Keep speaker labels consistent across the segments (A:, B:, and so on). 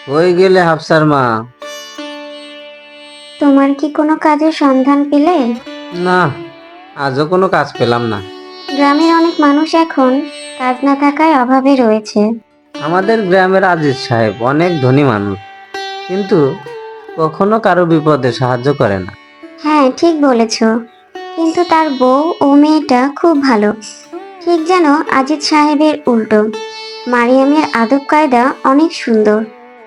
A: হয়ে গেলে হাফসার মা।
B: তোমার কি কোনো কাজের সন্ধান পেলে?
A: না, আজও কোনো কাজ পেলাম না।
B: গ্রামের অনেক মানুষ এখন কাজ না থাকায় অভাবে রয়েছে।
A: আমাদের গ্রামের আজিজ সাহেব অনেক ধনী মানুষ, কিন্তু কখনো কারো বিপদে সাহায্য করে না।
B: হ্যাঁ, ঠিক বলেছ। কিন্তু তার বউ ও মেয়েটা খুব ভালো। ঠিক যেন আজিজ সাহেবের উল্টো। মারিয়ামের আদব কায়দা অনেক সুন্দর।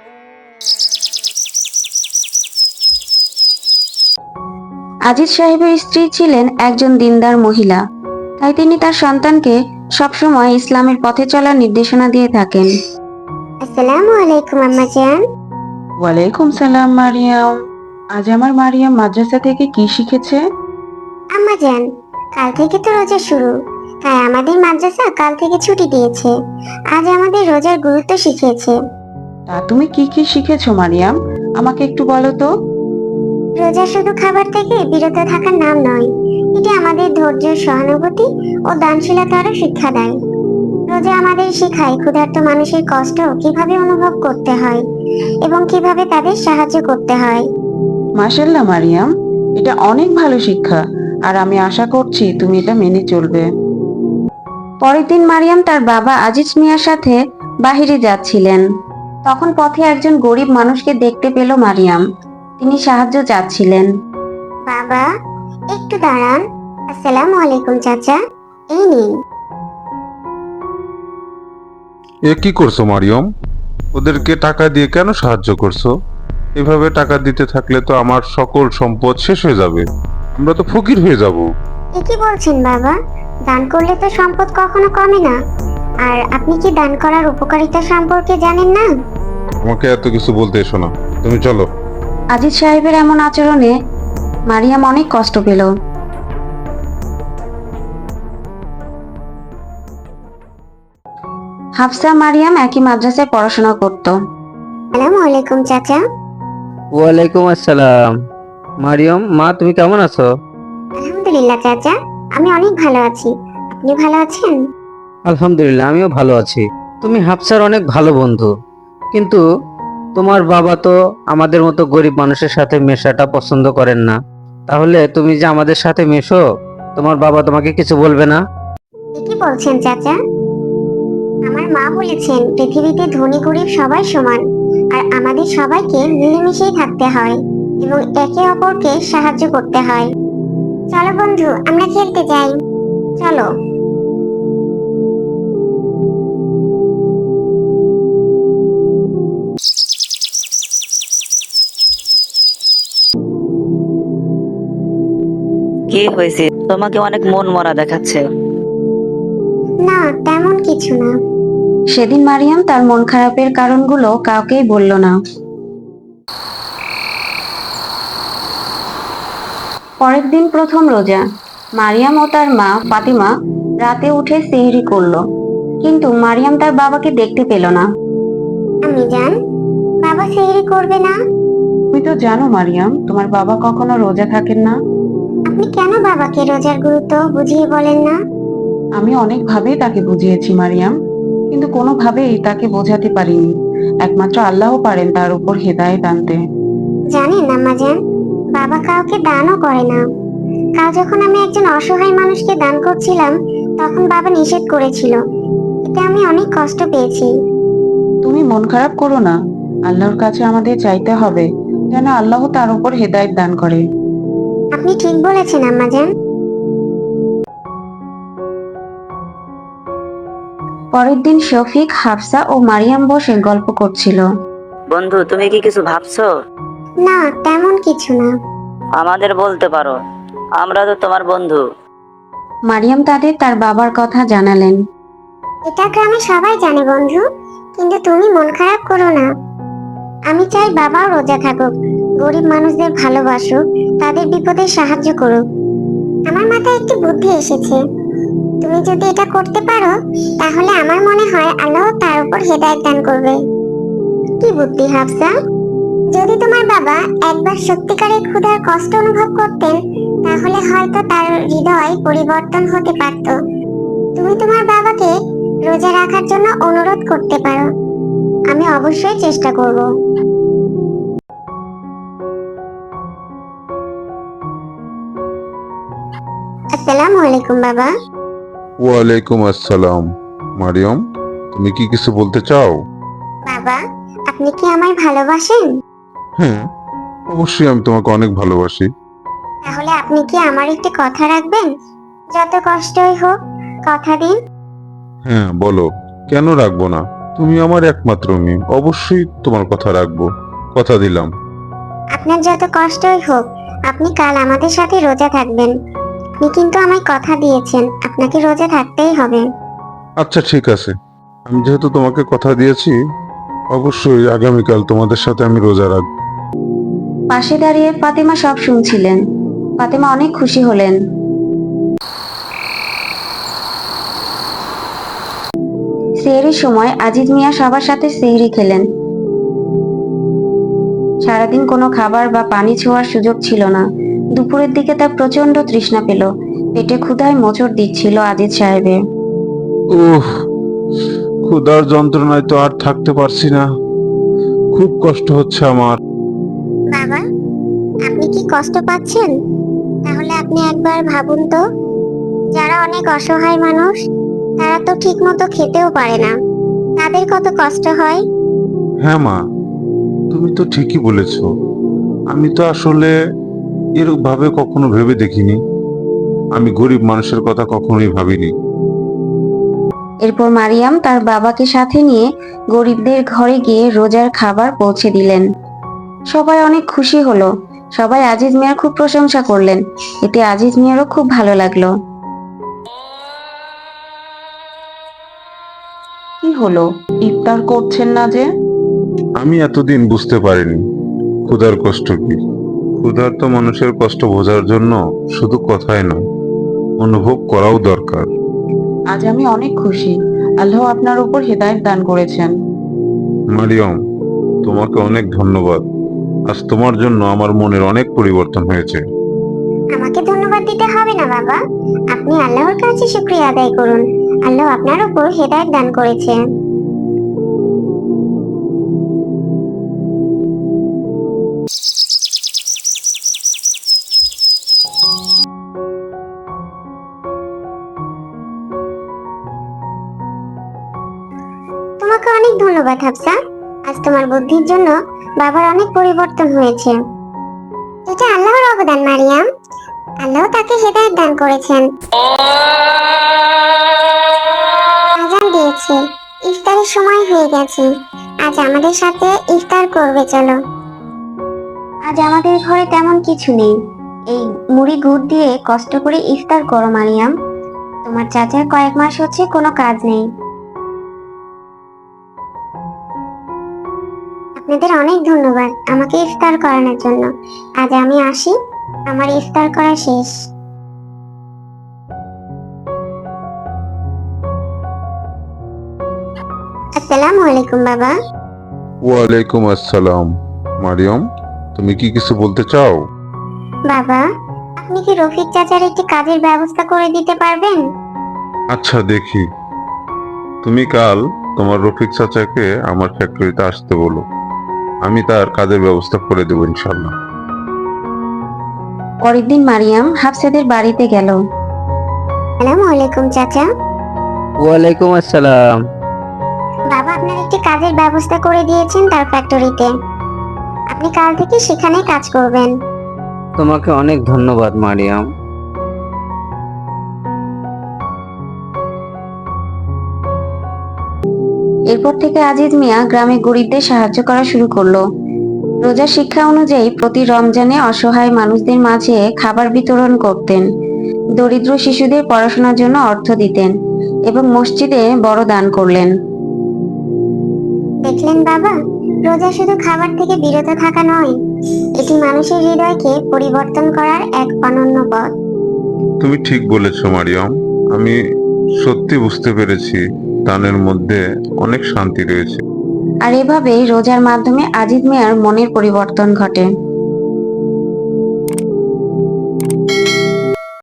B: আজিজ সাহেবের স্ত্রী ছিলেন একজন দিনদার মহিলা, তাই তিনি তার সন্তানকে সবসময় ইসলামের পথে চলার নির্দেশনা দিয়ে থাকেন। আসসালামু আলাইকুম আম্মা জান।
C: ওয়ালাইকুম সালাম মারিয়াম। আজ আমার মারিয়াম মাদ্রাসা থেকে কি শিখেছে?
B: আম্মা জান, কাল থেকে তো রোজা শুরু, তাই আমাদের মাদ্রাসা কাল থেকে ছুটি দিয়েছে। আজ আমাদের রোজার গুরুত্ব শিখিয়েছে।
C: তা তুমি কি কি শিখেছো মারিয়াম? আমাকে একটু বলো তো।
B: রোজা শুধু খাবার থেকে বিরত থাকার নাম নয়, এটি আমাদের ধৈর্য, সহানুভূতি ও দানশীলতারও শিক্ষা দেয়। রোজা আমাদের শেখায় ক্ষুধার্ত মানুষের কষ্ট কিভাবে অনুভব করতে হয় এবং কিভাবে তাদের সাহায্য করতে হয়।
C: মাশাল্লাহ মারিয়াম, এটা অনেক ভালো শিক্ষা, আর আমি আশা করছি তুমি এটা মেনে চলবে।
B: পরের দিন মারিয়াম তার বাবা আজিজ মিয়ার সাথে বাহিরে যাচ্ছিলেন। তখন পথে একজন গরিব মানুষকে দেখতে পেল মারিয়াম। তিনি সাহায্য চাচ্ছিলেন। বাবা, একটু দাঁড়ান। আসসালামু আলাইকুম চাচা, এই নিন।
D: এ কি করছো মারিয়ম? ওদেরকে টাকা দিয়ে কেন সাহায্য করছো? এভাবে টাকা দিতে থাকলে তো আমার সকল সম্পদ শেষ হয়ে যাবে, আমরা তো ফকির হয়ে যাব।
B: এ কি বলছেন বাবা? দান করলে তো সম্পদ কখনো কমে না। আর আপনি কি দান করার উপকারিতা সম্পর্কে জানেন না?
D: আমাকে এত কিছু বলতে এসো না, তুমি চলো।
B: আজিজ সাহেবের এমন আচরণে মারিয়াম অনেক কষ্ট পেল। হাফসা মারিয়াম একই মাদ্রাসায় পড়াশোনা করত। আসসালামু আলাইকুম চাচা।
A: ওয়ালাইকুম আসসালাম। মারিয়ম মা, তুমি কেমন আছো?
B: আলহামদুলিল্লাহ চাচা, আমি অনেক ভালো আছি। আপনি ভালো আছেন?
A: আলহামদুলিল্লাহ, আমিও ভালো আছি। তুমি হাফসার অনেক ভালো বন্ধু, কিন্তু তোমার বাবা তো আমাদের মতো গরিব মানুষের সাথে মেশাটা পছন্দ করেন না। তাহলে তুমি যে আমাদের সাথে মেশো, তোমার বাবা তোমাকে কিছু বলবে না?
B: এ কি বলছেন চাচা? আমার মা বলেছেন পৃথিবীতে ধনী গরিব সবাই সমান, আর আমাদের সবাইকে মিলেমিশেই থাকতে হয় এবং একে অপরকে সাহায্য করতে হয়। চলো বন্ধু, আমরা খেলতে যাই। চলো।
E: কি হয়েছে? তোমাকে অনেক মন মরা দেখাচ্ছে।
B: না, তেমন কিছু না। সেদিন মারিয়াম তার মন খারাপের কারণগুলো কাউকেই বলল না। পরের দিন প্রথম রোজা। মারিয়াম ও তার মা ফাতিমা রাতে উঠে সেহরি করলো, কিন্তু মারিয়াম তার বাবাকে দেখতে পেল না। আমি জান, বাবা সেহরি করবে না?
C: তুমি তো জানো মারিয়াম, তোমার বাবা কখনো রোজা থাকেন না।
B: আপনি কেন বাবাকে রোজার গুরুত্ব বুঝিয়ে বলেন না?
C: আমি অনেকভাবেই তাকে বুঝিয়েছি মারিয়াম, কিন্তু কোনোভাবেই তাকে বোঝাতে পারিনি। একমাত্র আল্লাহ পারেন তার উপর হেদায়েত আনতে।
B: জানেন আম্মাজান, বাবা কাউকে দানও করে না। কাল যখন আমি একজন অসহায় মানুষকে দান করছিলাম, তখন বাবা নিষেধ করেছিল। এতে আমি অনেক কষ্ট পেয়েছি।
C: তুমি মন খারাপ করো না, আল্লাহর কাছে আমাদের চাইতে হবে যেন আল্লাহ তার উপর হেদায়েত দান করে।
B: আপনি ঠিক বলেছেন আম্মাজান। পরের দিন শফিক, হাফসা ও মারিয়াম বসে গল্প করছিল।
E: বন্ধু, তুমি কি কিছু ভাবছো?
B: না, তেমন কিছু না।
E: আমাদের বলতে পারো, আমরা তো তোমার বন্ধু।
B: মারিয়াম তাদের তার বাবার কথা জানালেন। এটা গ্রামে সবাই জানে বন্ধু, কিন্তু তুমি মন খারাপ করো না। আমি চাই বাবাও রোজা থাকুক, গরিব মানুষদের ভালোবাসুক, তাদের বিপদে সাহায্য করুক। আমার মাথায় একটি বুদ্ধি এসেছে। তুমি যদি এটা করতে পারো, তাহলে আমার মনে হয় আল্লাহ তার উপর হেদায়েত দান করবে। কি বুদ্ধি হাফসা? যদি তোমার বাবা একবার সত্যিকারের ক্ষুধার কষ্ট অনুভব করতেন, তাহলে হয়তো তার হৃদয় পরিবর্তন হতে পারত। তুমি তোমার বাবাকে রোজা রাখার জন্য অনুরোধ করতে পারো। আমি অবশ্যই চেষ্টা করব। আসসালামু আলাইকুম বাবা।
D: ওয়ালাইকুম আসসালাম। মারিয়ম, তুমি কি কিছু বলতে চাও?
B: বাবা, আপনি কি আমায় ভালোবাসেন?
D: হ্যাঁ, অবশ্যই আমি তোমাকে অনেক ভালোবাসি।
B: তাহলে আপনি কি আমার একটি কথা রাখবেন? যত কষ্টই হোক, কথা দিন।
D: হ্যাঁ, বলো, কেন রাখবো না? তুমি আমার একমাত্র মেয়ে, অবশ্যই তোমার কথা রাখবো। কথা দিলাম।
B: আপনার যত কষ্টই হোক, আপনি কাল আমাদের সাথে রোজা থাকবেন। আপনি কিন্তু আমায় কথা দিয়েছেন, আপনাকে রোজা থাকতেই হবে।
D: আচ্ছা, ঠিক আছে। আমি যেহেতু তোমাকে কথা দিয়েছি, অবশ্যই আগামীকাল তোমাদের সাথে আমি রোজা রাখবো।
C: পাশে দাঁড়িয়ে ফাতেমা সব শুনছিলেন। ফাতেমা অনেক খুশি হলেন। সেহরির সময় আজিজ মিয়া সবার সাথে সেহরি খেলেন। সারাদিন কোনো খাবার বা পানি ছোঁয়ার সুযোগ ছিল না। দুপুরের দিকে তার প্রচন্ড তৃষ্ণা পেল। পেটে ক্ষুধায় মোচড় দিচ্ছিল আজিজ সাহেবের।
D: উফ, ক্ষুধার যন্ত্রণায় তো আর থাকতে পারছি না। খুব কষ্ট হচ্ছে আমার।
B: বাবা, আপনি কি কষ্ট পাচ্ছেন? তাহলে আপনি একবার ভাবুন তো, যারা অনেক অসহায় মানুষ, তারা তো ঠিক মতো খেতেও পারে না, তাদের কত কষ্ট হয়।
D: হ্যাঁ মা, তুমি তো ঠিকই বলেছ। আমি তো আসলে এরকম ভাবে কখনো ভেবে দেখিনি। আমি গরিব মানুষের কথা কখনোই ভাবিনি।
C: এরপর মারিয়াম তার বাবাকে সাথে নিয়ে গরিবদের ঘরে গিয়ে রোজার খাবার পৌঁছে দিলেন। সবাই অনেক খুশি হলো। সবাই আজিজ মিয়ার খুব প্রশংসা করলেন। এতে আজিজ মিয়ারও খুব ভালো লাগলো। কি হলো, ইফতার করছেন না যে?
D: আমি এতদিন বুঝতে পারিনি ক্ষুধার কষ্ট কি। ক্ষুধার্ত মানুষের কষ্ট বোঝার জন্য শুধু কথাই নয়, অনুভব করাও দরকার।
C: আজ আমি অনেক খুশি। আল্লাহ আপনার উপর হেদায়েত দান করেছেন।
D: মারিয়ম, তোমাকে অনেক ধন্যবাদ। আজ তোমার জন্য আমার মনের অনেক পরিবর্তন হয়েছে।
B: আমাকে ধন্যবাদ দিতে হবে না বাবা, আপনি আল্লাহর কাছে শুকরিয়া আদায় করুন। আল্লাহ আপনার উপর হেদায়েত দান করেছে। তোমাকে অনেক ধন্যবাদ হাফসা। আজ তোমার বুদ্ধির জন্য বাবার অনেক পরিবর্তন হয়েছে। এটা আল্লাহর অবদান মারিয়াম। আল্লাহ তাকে হেদায়েত দান করেছেন। আজান দিয়েছে, ইফতারের সময় হয়ে গেছে। আজ আমাদের সাথে ইফতার করবে, চলো। আজ আমাদের ঘরে তেমন কিছু নেই। এই মুড়ি গুড় দিয়ে কষ্ট করে ইফতার করো মারিয়াম। তোমার চাচার কয়েক মাস হচ্ছে কোনো কাজ নেই। আপনাদের অনেক ধন্যবাদ আমাকে ইফতার করানোর জন্য। আজ আমি আসি, আমার ইফতার করা শেষ। আসসালামু আলাইকুম বাবা।
D: ওয়ালাইকুম আসসালাম। মারিয়ম, তুমি কি কিছু বলতে চাও?
B: বাবা, আপনি কি রফিক চাচার একটি কাজের ব্যবস্থা করে দিতে পারবেন?
D: আচ্ছা, দেখি। তুমি কাল তোমার রফিক চাচাকে আমার ফ্যাক্টরিতে আসতে বলো। আমি তার কাজের ব্যবস্থা করে দেবো ইনশাল্লাহ।
C: পরের দিন মারিয়াম হাফসাদের বাড়িতে গেল।
B: আসসালামু আলাইকুম চাচা।
A: ওয়ালাইকুম আসসালাম।
B: বাবা আপনার একটি কাজের ব্যবস্থা করে দিয়েছেন তার ফ্যাক্টরিতে। আপনি কাল থেকে সেখানে কাজ করবেন।
A: তোমাকে অনেক ধন্যবাদ মারিয়াম।
C: এরপর থেকে আজিজ মিয়া গ্রামে গরিবদের সাহায্য করা শুরু করলো। রোজার শিক্ষা অনুযায়ী প্রতি রমজানে অসহায় মানুষদের মাঝে খাবার বিতরণ করতেন, দরিদ্র শিশুদের পড়াশোনার জন্য অর্থ দিতেন এবং মসজিদে বড় দান করলেন।
B: দেখলেন বাবা, রোজা শুধু খাবার থেকে বিরত থাকা নয়, এটি মানুষের হৃদয়কে পরিবর্তন করার এক অনন্য পথ।
D: তুমি ঠিক বলেছ মারিয়ম। আমি সত্যি বুঝতে পেরেছি দানের মধ্যে অনেক শান্তি রয়েছে।
C: আর এভাবেই রোজার মাধ্যমে আজিজ মিয়ার মনের পরিবর্তন ঘটে।